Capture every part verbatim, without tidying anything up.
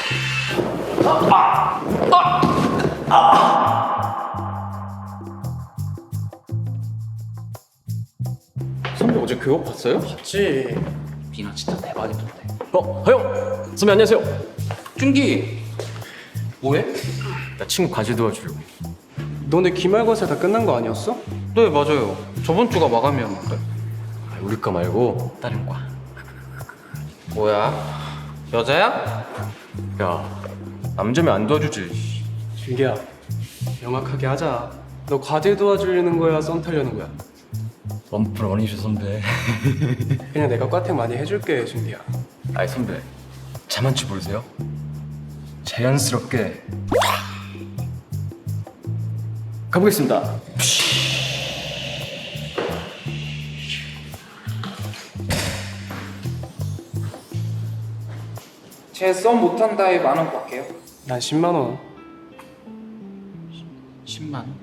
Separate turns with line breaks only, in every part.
아! 아! 아! 선배 어제 교복 봤어요?
봤지. 미나 진짜 대박이던데.
어, 하영! 선배 안녕하세요.
준기 뭐해?
나 친구 과제 도와주려고.
너네 기말고사 다 끝난 거 아니었어?
네 맞아요. 저번 주가 마감이었는데.
아, 우리 과 말고 다른 과.
뭐야? 여자야?
야, 남자면 안 도와주지.
준기야, 명확하게 하자. 너 과제 도와주려는 거야, 썸 타려는 거야?
원풀 원이셔 선배.
그냥 내가 과택 많이 해줄게, 준기야.
아이 선배, 자만추 모르세요? 자연스럽게 가보겠습니다.
제 썸 못한다에 만 원 받게요.
난 십만 원.
십만 원?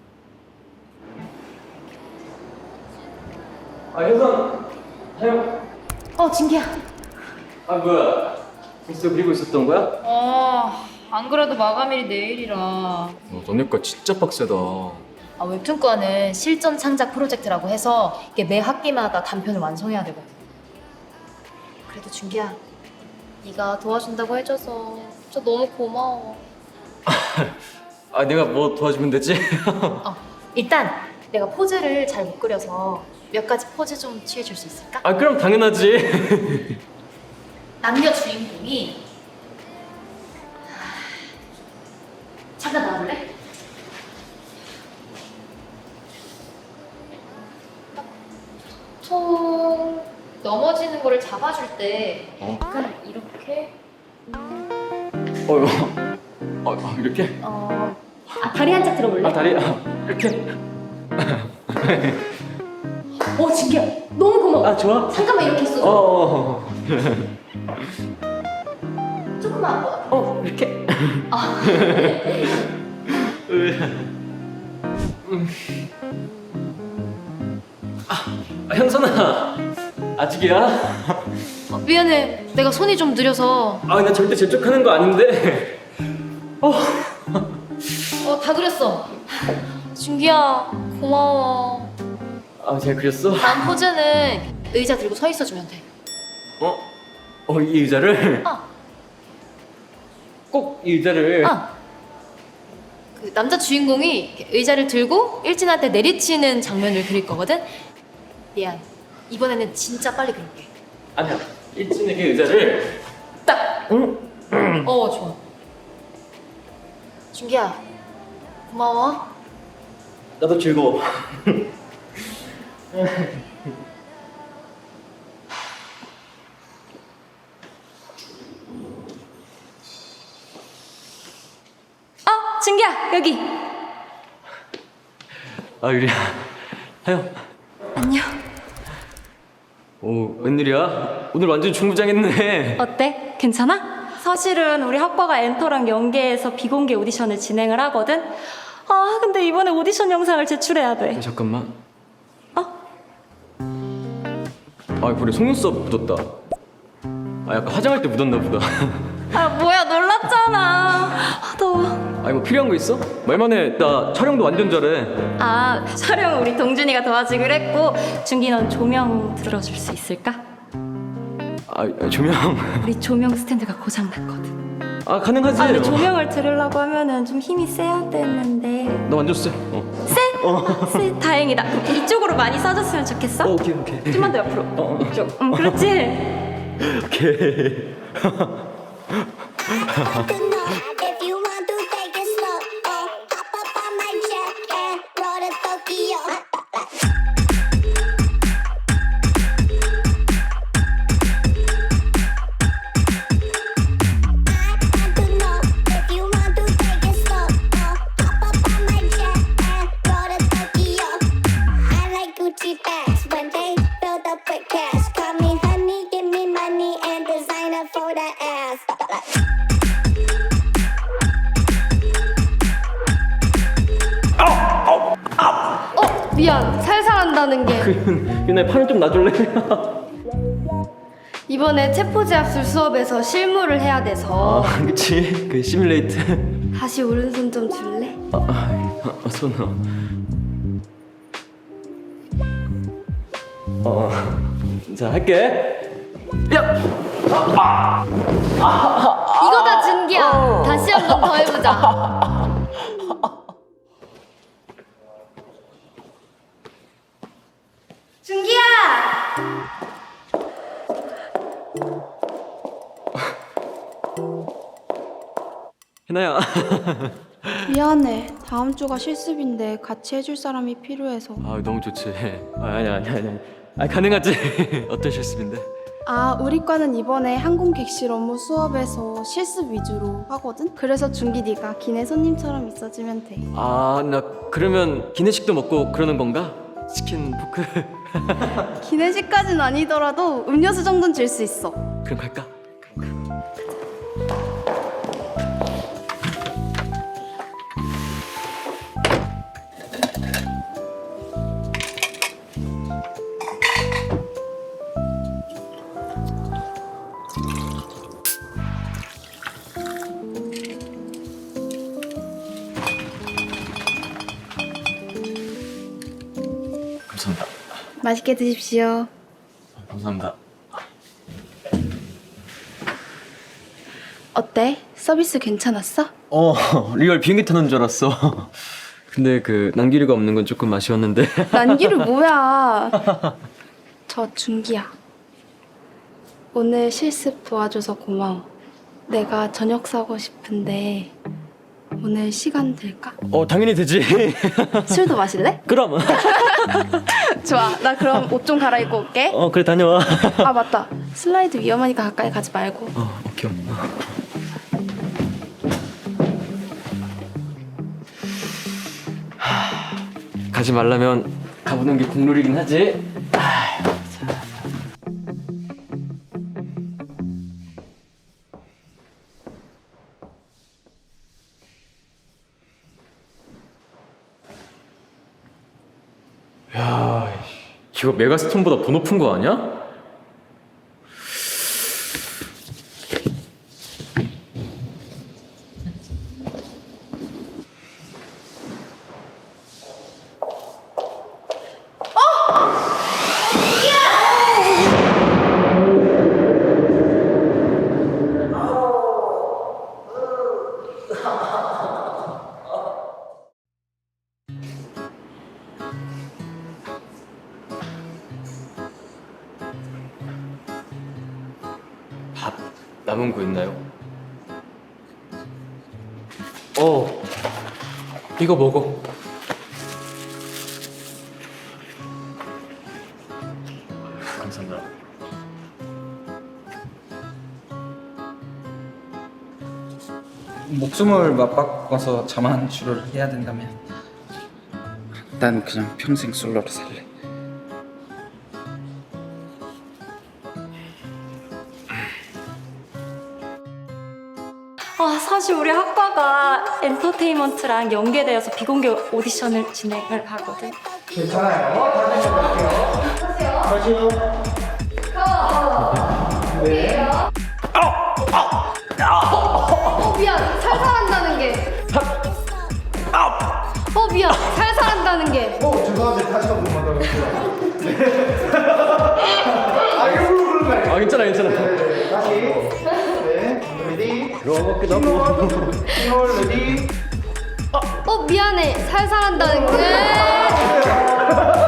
아 현선, 하영.
어, 진기야.
아 뭐야? 벌써 그리고 있었던 거야?
어, 안 그래도 마감일이 내일이라.
어, 너네 과 진짜 빡세다.
아, 웹툰과는 실전 창작 프로젝트라고 해서 이게 매 학기마다 단편을 완성해야 되거든. 그래도 준기야, 네가 도와준다고 해줘서 진짜 너무 고마워.
아 내가 뭐 도와주면 되지?
어, 일단 내가 포즈를 잘 못 그려서 몇 가지 포즈 좀 취해줄 수 있을까?
아 그럼 당연하지.
남녀 주인공이 잠깐 나와볼래? 총 넘어지는 거를 잡아줄 때
어?
약간 이렇게
어, 어, 어 이렇게?
어... 아, 다리 한 짝 들어볼래?
아 다리 아, 이렇게?
오, 진기야, 너무 고마워.
아 좋아?
잠깐만 이렇게 있어.
어, 어,
조금만 더.
어 이렇게?
아.
아 현선아 아직이야?
어, 미안해, 내가 손이 좀 느려서.
아 나 절대 재촉하는 거 아닌데. 어.
어, 다 그렸어. 준기야, 고마워.
아 제가 그렸어?
다음 포즈는 의자 들고 서 있어주면 돼.
어? 어 이 의자를?
어,
꼭 이 의자를?
어. 그 남자 주인공이 이렇게 의자를 들고 일진한테 내리치는 장면을 그릴 거거든. 미안, 이번에는 진짜 빨리 그릴게.
아니야 일진에게 의자를
딱.
응?
어, 좋아. 준기야, 고마워.
나도 즐거워.
어, 준기야, 여기.
아 유리야 하영
안녕.
오 웬일이야? 오늘 완전 중부장했네.
어때? 괜찮아? 사실은 우리 학과가 엔터랑 연계해서 비공개 오디션을 진행을 하거든? 아 근데 이번에 오디션 영상을 제출해야 돼.
잠깐만.
어?
아 그래 속눈썹 묻었다. 아 약간 화장할 때 묻었나 보다.
아 뭐야 놀랐잖아. 아, 더워.
아니 뭐 필요한 거 있어? 말만 해. 나 촬영도 완전 잘해.
아 촬영 우리 동준이가 도와주기로 했고 준기 넌 조명 들어줄 수 있을까?
아 조명.
우리 조명 스탠드가 고장났거든.
아 가능하지.
아 근데 조명을 들으려고 하면은 좀 힘이 세야 되는데.
나 완전 쎄. 어.
세? 어. 세? 다행이다. 그럼 이쪽으로 많이 쏴줬으면 좋겠어?
어 오케이 오케이.
좀만 더 옆으로.
어, 어.
이쪽. 음 그렇지.
오케이.
If you want to take it slow, oh, hop up on my jet and roll to Tokyo. I want to know if you want to take it slow, oh, hop up on my jet and roll to Tokyo. I like Gucci bags when they filled up with cash. Call me honey, give me money and designer for the ass.
미안, 살살 한다는 게
유나야 팔을 좀 놔줄래?
이번에 체포제압술 수업에서 실무를 해야 돼서
아 그치 그 시뮬레이트.
다시 오른손 좀 줄래?
아, 아, 아 손. 어. 어. 자 할게. 야.
이거다 준기야. 다시 한 번 더 해보자. 준기야.
해나야.
미안해. 다음 주가 실습인데 같이 해줄 사람이 필요해서.
아 너무 좋지. 아, 아니 아니 아니. 아 가능하지. 어떤 실습인데?
아, 우리 과는 이번에 항공 객실 업무 수업에서 실습 위주로 하거든? 그래서 준기 네가 기내 손님처럼 있어주면 돼.
아 나 그러면 기내식도 먹고 그러는 건가? 치킨 포크.
기내식까진 아니더라도 음료수 정도는 줄 수 있어.
그럼 갈까? 감사합니다.
맛있게 드십시오.
감사합니다.
어때? 서비스 괜찮았어?
어 리얼 비행기 타는 줄 알았어. 근데 그 난기류가 없는 건 조금 아쉬웠는데.
난기류 뭐야? 저 준기야. 오늘 실습 도와줘서 고마워. 내가 저녁 사고 싶은데 오늘 시간 될까?
어 당연히 되지.
술도 마실래?
그럼.
좋아. 나 그럼 옷 좀 갈아입고 올게.
어 그래 다녀와.
아 맞다. 슬라이드 위험하니까 가까이 가지 말고.
어 오케이. 하, 가지 말라면 가보는 게 국룰이긴 하지. 야, 이거 메가스톤보다 더 높은 거 아니야? 밥 남은 거 있나요?
어, 이거 먹어.
감사합니다.
목숨을 맞바꿔서 자만 치료를 해야 된다면 난 그냥 평생 솔로로 살래.
아, 사실 우리 학과가 엔터테인먼트랑 연계되어서 비공개 오디션을 진행을 하거든.
어 미안. 살살한다는 게. 어 미안. 살살한다는 게.
어, 죄송한데 다시 한 번만 더 해주세요.
아 괜찮아 괜찮아.
네, 다시. 네, 레디.
그런 것 같기도 하고.
싱글 레디.
어 미안해. 살살한다는 게.